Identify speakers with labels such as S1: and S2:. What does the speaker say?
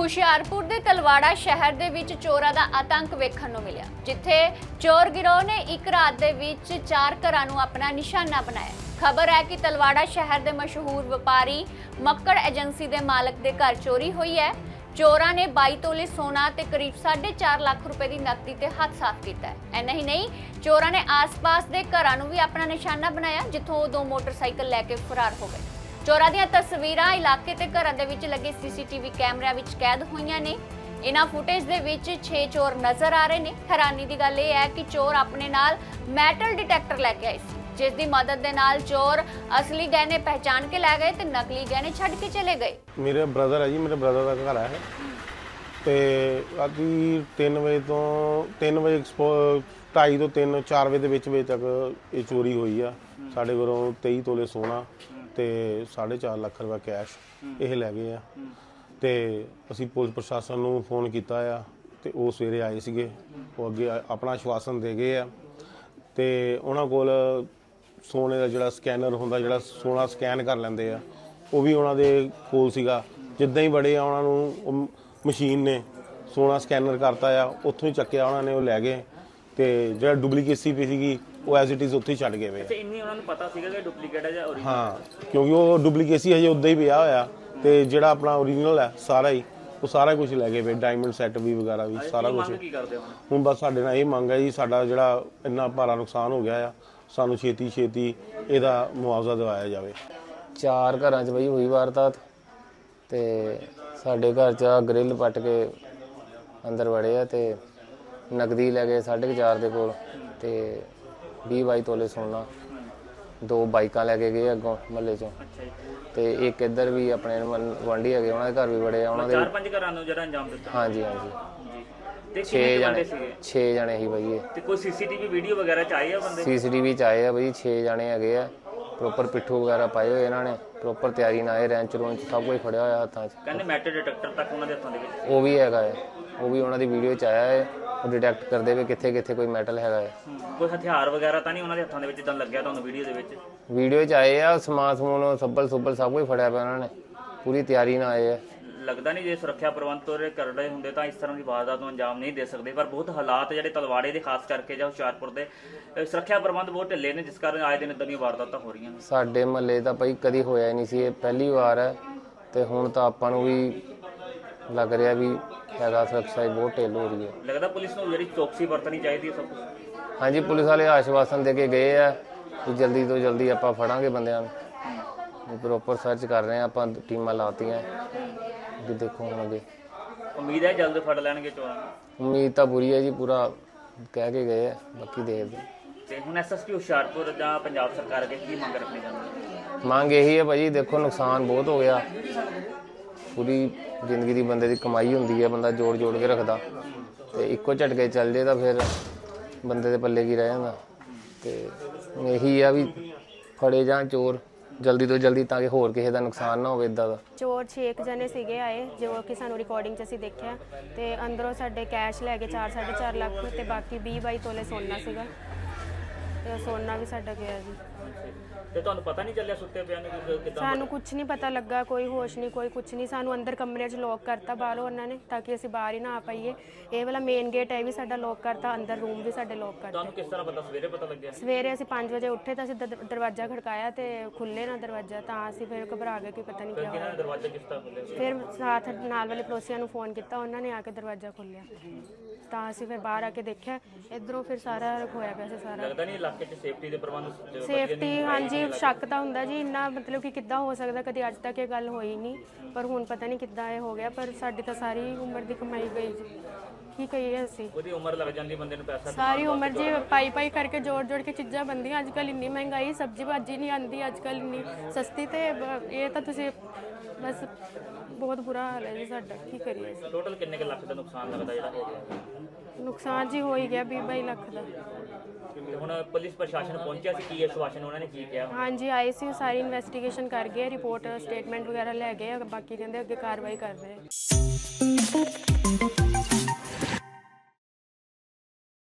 S1: ਹੁਸ਼ਿਆਰਪੁਰ ਦੇ ਤਲਵਾੜਾ ਸ਼ਹਿਰ ਦੇ ਵਿੱਚ ਚੋਰਾਂ ਦਾ ਆਤੰਕ ਵੇਖਣ ਨੂੰ ਮਿਲਿਆ, ਜਿੱਥੇ ਚੋਰ ਗਿਰੋਹ ਨੇ ਇੱਕ ਰਾਤ ਦੇ ਵਿੱਚ 4 ਘਰਾਂ ਨੂੰ ਆਪਣਾ ਨਿਸ਼ਾਨਾ ਬਣਾਇਆ। ਖਬਰ ਹੈ ਕਿ ਤਲਵਾੜਾ ਸ਼ਹਿਰ ਦੇ ਮਸ਼ਹੂਰ ਵਪਾਰੀ ਮੱਕੜ ਏਜੰਸੀ ਦੇ ਮਾਲਕ ਦੇ ਘਰ ਚੋਰੀ ਹੋਈ ਹੈ। ਚੋਰਾਂ ਨੇ 22 ਤੋਲੇ ਸੋਨਾ ਤੇ ਕਰੀਬ 4.5 ਲੱਖ ਰੁਪਏ ਦੀ ਨਕਦੀ ਤੇ ਹੱਥ ਸਾਫ਼ ਕੀਤਾ ਹੈ। ਐਨਾ ਹੀ ਨਹੀਂ, ਚੋਰਾਂ ਨੇ ਆਸ-ਪਾਸ ਦੇ ਘਰਾਂ ਨੂੰ ਵੀ ਆਪਣਾ ਨਿਸ਼ਾਨਾ ਬਣਾਇਆ, ਜਿੱਥੋਂ ਉਹ 2 ਮੋਟਰਸਾਈਕਲ ਲੈ ਕੇ ਫਰਾਰ ਹੋ ਗਏ। ਚੋਰਾਂ ਦੀਆਂ ਤਸਵੀਰਾਂ ਇਲਾਕੇ ਤੇ ਘਰਾਂ ਦੇ ਵਿੱਚ ਲੱਗੇ ਸੀਸੀਟੀਵੀ ਕੈਮਰਿਆਂ ਵਿੱਚ ਕੈਦ ਹੋਈਆਂ ਨੇ। ਇਹਨਾਂ ਫੁਟੇਜ ਦੇ ਵਿੱਚ 6 ਚੋਰ ਨਜ਼ਰ ਆ ਰਹੇ ਨੇ। ਹੈਰਾਨੀ ਦੀ ਗੱਲ ਇਹ ਹੈ ਕਿ ਚੋਰ ਆਪਣੇ ਨਾਲ ਮੈਟਲ ਡਿਟੈਕਟਰ ਲੈ ਕੇ ਆਏ ਸੀ, ਜਿਸ ਦੀ ਮਦਦ ਦੇ ਨਾਲ ਚੋਰ ਅਸਲੀ ਗਹਿਣੇ ਪਹਿਚਾਨ ਕੇ ਲੈ ਗਏ ਤੇ ਨਕਲੀ ਗਹਿਣੇ ਛੱਡ ਕੇ ਚਲੇ ਗਏ।
S2: ਮੇਰੇ ਬ੍ਰਦਰ ਹੈ ਜੀ, ਮੇਰੇ ਬ੍ਰਦਰ ਦਾ ਘਰ ਹੈ ਤੇ ਰਾਤੀ 3 ਵਜੇ ਤੋਂ 3 ਵਜੇ 2:30 ਤੋਂ 3 4 ਵਜੇ ਦੇ ਵਿੱਚ ਤੱਕ ਇਹ ਚੋਰੀ ਹੋਈ ਆ। ਸਾਡੇ ਕੋਲੋਂ 23 ਤੋਲੇ ਸੋਨਾ ਤੇ 4.5 ਲੱਖ ਰੁਪਏ ਕੈਸ਼ ਇਹ ਲੈ ਗਏ ਆ। ਤੇ ਅਸੀਂ ਪੁਲਿਸ ਪ੍ਰਸ਼ਾਸਨ ਨੂੰ ਫੋਨ ਕੀਤਾ ਆ ਤੇ ਉਹ ਸਵੇਰੇ ਆਏ ਸੀਗੇ। ਉਹ ਅੱਗੇ ਆਪਣਾ ਆਸ਼ਵਾਸਨ ਦੇ ਗਏ ਆ ਤੇ ਉਹਨਾਂ ਕੋਲ ਸੋਨੇ ਦਾ ਜਿਹੜਾ ਸਕੈਨਰ ਹੁੰਦਾ, ਜਿਹੜਾ ਸੋਨਾ ਸਕੈਨ ਕਰ ਲੈਂਦੇ ਆ, ਉਹ ਵੀ ਉਹਨਾਂ ਦੇ ਕੋਲ ਸੀਗਾ। ਜਿੱਦਾਂ ਹੀ ਬੜੇ ਆ ਉਹਨਾਂ ਨੂੰ ਮਸ਼ੀਨ ਨੇ ਸੋਨਾ ਸਕੈਨਰ ਕਰਤਾ ਆ, ਉੱਥੋਂ ਹੀ ਚੱਕਿਆ ਉਹਨਾਂ ਨੇ, ਉਹ ਲੈ ਗਏ। ਤੇ ਜਿਹੜਾ ਡੁਪਲੀਕੇਸੀ ਪਈ ਸੀਗੀ ਉਹ ਐਜ਼ ਇਟ ਇਜ਼ ਉੱਥੇ ਹੀ ਛੱਡ ਗਏ ਵੇ।
S3: ਅੱਛਾ, ਇੰਨੀ ਉਹਨਾਂ ਨੂੰ ਪਤਾ ਸੀਗਾ ਕਿ ਡੁਪਲੀਕੇਟ ਹੈ ਜਾਂ ਓਰੀਜਨਲ?
S2: ਹਾਂ, ਕਿਉਂਕਿ ਉਹ ਡੁਪਲੀਕੇਸੀ ਹਜੇ ਉੱਦਾਂ ਹੀ ਪਿਆ ਹੋਇਆ ਤੇ ਜਿਹੜਾ ਆਪਣਾ ਓਰੀਜਨਲ ਹੈ ਸਾਰਾ ਹੀ, ਉਹ ਸਾਰਾ ਕੁਝ ਲੈ ਗਏ ਵੇ। ਡਾਇਮੰਡ ਸੈੱਟ ਵੀ ਵਗੈਰਾ ਵੀ ਸਾਰਾ ਕੁਝ।
S3: ਕੀ ਕਰਦੇ
S2: ਹੁਣ ਬਸ ਸਾਡੇ ਨਾਲ ਇਹ ਮੰਗ ਹੈ ਜੀ, ਸਾਡਾ ਜਿਹੜਾ ਇੰਨਾ ਭਾਰਾ ਨੁਕਸਾਨ ਹੋ ਗਿਆ ਆ, ਸਾਨੂੰ ਛੇਤੀ ਇਹਦਾ ਮੁਆਵਜ਼ਾ ਦਿਵਾਇਆ ਜਾਵੇ।
S4: 4 ਘਰਾਂ 'ਚ ਬਈ ਹੋਈ ਵਾਰਦਾਤ ਤੇ ਸਾਡੇ ਘਰ 'ਚ ਗ੍ਰਿਲ ਪੱਟ ਕੇ ਅੰਦਰ ਵੜੇ ਆ ਤੇ ਨਕਦੀ ਲੈ ਗਏ 4.5 ਦੇ ਕੋਲ ਤੇ 20-22 ਤੋਲੇ ਸੋਨਾ। 2 ਬਾਈਕਾਂ ਲੈ ਕੇ ਗਏ ਅੱਗੋਂ ਮਹੱਲੇ 'ਚੋਂ ਤੇ ਇੱਕ ਇੱਧਰ ਵੀ ਆਪਣੇ ਗੁਆਂਢੀ ਹੈਗੇ, ਉਹਨਾਂ ਦੇ ਘਰ ਵੀ ਵੜੇ ਆ। ਉਹਨਾਂ ਦੇ
S3: 4-5 ਘਰਾਂ ਨੂੰ ਜਿਹੜਾ ਅੰਜਾਮ ਦਿੱਤਾ?
S4: ਹਾਂਜੀ
S3: ਤੇ
S4: 6 ਜਣੇ ਹੀ ਬਈ।
S3: ਤੇ ਕੋਈ ਸੀਸੀਟੀਵੀ ਵੀਡੀਓ ਵਗੈਰਾ ਚ ਆਏ ਆ ਬੰਦੇ?
S4: ਸੀਸੀਟੀਵੀ 'ਚ ਆਏ ਆ ਬਈ, 6 ਜਣੇ ਹੈਗੇ ਆ। ਪ੍ਰੋਪਰ ਪਿੱਠੂ ਵਗੈਰਾ ਪਾਏ ਹੋਏ ਇਹਨਾਂ ਨੇ, ਪ੍ਰੋਪਰ ਤਿਆਰੀ ਨਾਲ ਆਏ। ਰੈਂਚ ਰੋਂਚ ਸਭ ਕੁਝ ਫੜਿਆ ਹੋਇਆ ਹੱਥਾਂ 'ਚ।
S3: ਕਹਿੰਦੇ ਮੈਟਲ ਡਿਟੈਕਟਰ ਤੱਕ ਉਹਨਾਂ ਦੇ ਹੱਥਾਂ ਦੇ ਵਿੱਚ?
S4: ਉਹ ਵੀ ਹੈਗਾ ਹੈ, ਉਹ ਵੀ ਉਹਨਾਂ ਦੀ ਵੀਡੀਓ 'ਚ ਆਇਆ ਹੈ। ਉਹ ਡਿਟੈਕਟ ਕਰਦੇ ਵੀ ਕਿੱਥੇ ਕੋਈ ਮੈਟਲ ਹੈਗਾ ਹੈ।
S3: ਕੋਈ ਹਥਿਆਰ ਵਗੈਰਾ ਤਾਂ ਨਹੀਂ ਉਹਨਾਂ ਦੇ ਹੱਥਾਂ ਦੇ ਵਿੱਚ ਜਿੱਦਾਂ ਲੱਗਿਆ ਤੁਹਾਨੂੰ ਵੀਡੀਓ ਦੇ ਵਿੱਚ?
S4: ਵੀਡੀਓ 'ਚ ਆਏ ਆ, ਸਮਾਨ ਸੱਬਲ ਸੁੱਬਲ ਸਭ ਕੁਝ ਫੜਿਆ ਪਿਆ ਉਹਨਾਂ ਨੇ, ਪੂਰੀ ਤਿਆਰੀ ਨਾਲ ਆਏ ਆ।
S3: ਲੱਗਦਾ ਨਹੀਂ ਜੇ ਸੁਰੱਖਿਆ ਪ੍ਰਬੰਧ ਤੋਰੇ ਕਰ ਰਹੇ ਹੁੰਦੇ ਤਾਂ ਇਸ ਤਰ੍ਹਾਂ ਦੀ ਵਾਰਦਾਤ ਨੂੰ ਅੰਜਾਮ ਨਹੀਂ ਦੇ ਸਕਦੇ। ਪਰ ਬਹੁਤ ਹਾਲਾਤ ਜਿਹੜੇ ਤਲਵਾੜੇ ਦੇ ਖਾਸ ਕਰਕੇ ਜਾਂ ਹੁਸ਼ਿਆਰਪੁਰ ਦੇ ਸੁਰੱਖਿਆ ਪ੍ਰਬੰਧ ਬਹੁਤ ਢਿੱਲੇ ਨੇ, ਜਿਸ ਕਾਰਨ ਆਏ ਦਿਨ ਇਦਾਂ ਦੀਆਂ ਵਾਰਦਾਤਾਂ ਹੋ ਰਹੀਆਂ ਨੇ।
S4: ਸਾਡੇ ਮਹੱਲੇ ਤਾਂ ਭਾਈ ਕਦੀ ਹੋਇਆ ਹੀ ਨਹੀਂ ਸੀ, ਇਹ ਪਹਿਲੀ ਵਾਰ ਹੈ। ਤੇ ਹੁਣ ਤਾਂ ਆਪਾਂ ਨੂੰ ਵੀ ਲੱਗ ਰਿਹਾ ਵੀ ਹੈਗਾ, ਸੁਰੱਖਿਆ ਬਹੁਤ ਢਿੱਲ ਹੋ ਰਹੀ ਹੈ।
S3: ਲੱਗਦਾ ਪੁਲਿਸ ਨੂੰ ਜਿਹੜੀ ਚੌਕਸੀ ਵਰਤਣੀ ਚਾਹੀਦੀ ਹੈ ਸਭ ਕੁਝ?
S4: ਹਾਂਜੀ, ਪੁਲਿਸ ਵਾਲੇ ਆਸ਼ਵਾਸਨ ਦੇ ਕੇ ਗਏ ਆ ਕਿ ਜਲਦੀ ਤੋਂ ਜਲਦੀ ਆਪਾਂ ਫੜਾਂਗੇ ਬੰਦਿਆਂ ਨੂੰ। ਪ੍ਰੋਪਰ ਸਰਚ ਕਰ ਰਹੇ ਆ ਆਪਾਂ, ਟੀਮਾਂ ਲਾਤੀਆਂ। ਵੀ ਦੇਖੋ ਹੁਣ ਅੱਗੇ
S3: ਉਮੀਦ ਹੈ ਜਲਦ ਫੜ ਲੈਣਗੇ ਚੋਰਾਂ ਨੂੰ?
S4: ਉਮੀਦ ਤਾਂ ਪੂਰੀ ਹੈ ਜੀ, ਪੂਰਾ ਕਹਿ ਕੇ ਗਏ ਆ, ਬਾਕੀ ਦੇਖਦੇ।
S3: ਤੇ ਹੁਣ ਐਸਐਸਪੀ ਹੁਸ਼ਿਆਰਪੁਰ ਜਾਂ ਪੰਜਾਬ ਸਰਕਾਰ ਅੱਗੇ ਕੀ ਮੰਗ ਰੱਖਣੀ ਚਾਹੁੰਦੀ ਹੈ?
S4: ਮੰਗ ਇਹੀ ਹੈ ਭਾਜੀ, ਦੇਖੋ ਨੁਕਸਾਨ ਬਹੁਤ ਹੋ ਗਿਆ। ਪੂਰੀ ਜ਼ਿੰਦਗੀ ਦੀ ਬੰਦੇ ਦੀ ਕਮਾਈ ਹੁੰਦੀ ਹੈ, ਬੰਦਾ ਜੋੜ ਕੇ ਰੱਖਦਾ ਤੇ ਇੱਕੋ ਝਟਕੇ ਚੱਲ ਜੇ ਤਾਂ ਫਿਰ ਬੰਦੇ ਦੇ ਪੱਲੇ ਕੀ ਰਹਿ ਜਾਂਦਾ। ਤੇ ਇਹੀ ਆ ਵੀ ਫੜੇ ਜਾਣ ਚੋਰ ਜਲਦੀ ਤੋਂ ਜਲਦੀ, ਤਾਂ ਕਿ ਹੋਰ ਕਿਸੇ ਦਾ ਨੁਕਸਾਨ ਨਾ ਹੋਵੇ ਇਦਾਂ ਦਾ।
S5: ਚੋਰ 6 ਜਣੇ ਸੀਗੇ ਆਏ, ਜੋ ਕਿ ਸਾਨੂੰ ਰਿਕਾਰਡਿੰਗ 'ਚ ਅਸੀਂ ਦੇਖਿਆ। ਤੇ ਅੰਦਰੋਂ ਸਾਡੇ ਕੈਸ਼ ਲੈ ਕੇ 4-4.5 ਲੱਖ ਤੇ ਬਾਕੀ 20-22 ਤੋਲੇ ਸੋਨਾ ਸੀਗਾ ਤੇ ਸੋਨਾ ਵੀ ਸਾਡਾ ਗਿਆ ਜੀ।
S3: ਤੇ ਤੁਹਾਨੂੰ ਪਤਾ ਨਹੀਂ ਚੱਲਿਆ ਸੁੱਤੇ ਪਿਆ ਨੂੰ ਕਿਦਾਂ?
S5: ਸਾਨੂੰ ਕੁਝ ਨਹੀਂ ਪਤਾ ਲੱਗਾ, ਕੋਈ ਹੋਸ਼ ਨਹੀਂ, ਕੋਈ ਕੁਝ ਨਹੀਂ। ਸਾਨੂੰ ਅੰਦਰ ਕਮਰੇ 'ਚ ਲੋਕ ਕਰਤਾ ਬਾਹਰੋਂ ਉਹਨਾਂ ਨੇ, ਤਾਂ ਕਿ ਅਸੀਂ ਬਾਹਰ ਹੀ ਨਾ ਆ ਪਾਈਏ। ਇਹ ਵਾਲਾ ਮੇਨ ਗੇਟ ਹੈ ਵੀ ਸਾਡਾ ਲੋਕ ਕਰਤਾ, ਅੰਦਰ ਰੂਮ ਵੀ ਸਾਡੇ ਲੋਕ ਕਰਤਾ।
S3: ਤੁਹਾਨੂੰ ਕਿਸ ਤਰ੍ਹਾਂ ਪਤਾ? ਸਵੇਰੇ ਪਤਾ ਲੱਗਿਆ?
S5: ਸਵੇਰੇ ਅਸੀਂ 5 ਵਜੇ ਉੱਠੇ ਤਾਂ ਅਸੀਂ ਦਰਵਾਜ਼ਾ ਖੜਕਾਇਆ ਤੇ ਖੁੱਲੇ ਨਾ ਦਰਵਾਜ਼ਾ, ਤਾਂ ਅਸੀਂ ਫਿਰ ਘਬਰਾ ਗਏ ਕਿ ਪਤਾ ਨਹੀਂ ਕੀ ਹੋਇਆ।
S3: ਦਰਵਾਜ਼ਾ ਕਿਸ ਤਰ੍ਹਾਂ ਖੁੱਲਿਆ?
S5: ਫਿਰ ਸਾਥ ਨਾਲ ਵਾਲੇ ਪੜੋਸੀਆਂ ਨੂੰ ਫੋਨ ਕੀਤਾ, ਉਹਨਾਂ ਨੇ ਆ ਕੇ ਦਰਵਾਜ਼ਾ ਖੋਲ੍ਹਿਆ। ਤਾਂ ਅਸੀਂ ਫਿਰ ਬਾਹਰ ਆ ਕੇ ਦੇਖਿਆ, ਇੱਧਰੋਂ ਫਿਰ ਸਾਰਾ ਹੋਇਆ ਪਿਆ ਸੀ ਸਾਰਾ।
S3: ਲੱਗਦਾ ਨਹੀਂ ਇਲਾਕੇ 'ਚ ਸੇਫਟੀ ਦੇ ਪ੍ਰਬੰਧ?
S5: ਸੇਫਟੀ ਹਾਂਜੀ, ਸ਼ੱਕ ਤਾਂ ਹੁੰਦਾ ਜੀ, ਇੰਨਾ ਮਤਲਬ ਕਿ ਕਿੱਦਾਂ ਹੋ ਸਕਦਾ, ਕਦੀ ਅੱਜ ਤੱਕ ਇਹ ਗੱਲ ਹੋਈ ਨਹੀਂ। ਪਰ ਹੁਣ ਪਤਾ ਨਹੀਂ ਕਿੱਦਾਂ ਇਹ ਹੋ ਗਿਆ। ਪਰ ਸਾਡੀ ਤਾਂ ਸਾਰੀ ਉਮਰ ਦੀ ਕਮਾਈ ਗਈ ਜੀ, ਕੀ ਕਹੀਏ ਅਸੀਂ। ਉਹਦੀ
S3: ਉਮਰ ਲੱਗ ਜਾਂਦੀ ਬੰਦੇ ਨੂੰ, ਪੈਸਾ
S5: ਸਾਰੀ ਉਮਰ ਜੀ ਪਾਈ ਕਰਕੇ ਜੋੜ ਕੇ ਚੀਜ਼ਾਂ ਬਣਦੀਆਂ। ਅੱਜ ਕੱਲ੍ਹ ਇੰਨੀ ਮਹਿੰਗਾਈ, ਸਬਜ਼ੀ ਭਾਜੀ ਨਹੀਂ ਆਉਂਦੀ ਅੱਜ ਕੱਲ੍ਹ ਇੰਨੀ ਸਸਤੀ। ਤੇ ਇਹ ਤਾਂ ਤੁਸੀਂ ਬਸ ਬਹੁਤ ਬੁਰਾ ਹਾਲ ਹੈ ਜੀ ਸਾਡਾ, ਕੀ ਕਰੀਏ।
S3: ਟੋਟਲ ਕਿੰਨੇ ਕੁ ਲੱਖ ਦਾ ਨੁਕਸਾਨ ਲੱਗਦਾ ਜਿਹੜਾ ਹੋ ਗਿਆ?
S5: ਨੁਕਸਾਨ ਜੀ ਹੋ ਹੀ ਗਿਆ 20-22 ਲੱਖ ਦਾ।
S3: ਹੁਣ ਪੁਲਿਸ ਪ੍ਰਸ਼ਾਸਨ ਪਹੁੰਚਿਆ ਸੀ, ਕੀ ਆਸ਼ਵਾਸਨ ਉਹਨਾਂ ਨੇ ਕੀ ਕਿਹਾ?
S5: ਹਾਂਜੀ, ਆਏ ਸੀ, ਸਾਰੀ ਇਨਵੈਸਟੀਗੇਸ਼ਨ ਕਰ ਗਏ, ਰਿਪੋਰਟ ਸਟੇਟਮੈਂਟ ਵਗੈਰਾ ਲੈ ਗਏ। ਬਾਕੀ ਕਹਿੰਦੇ ਅੱਗੇ ਕਾਰਵਾਈ ਕਰ ਰਹੇ।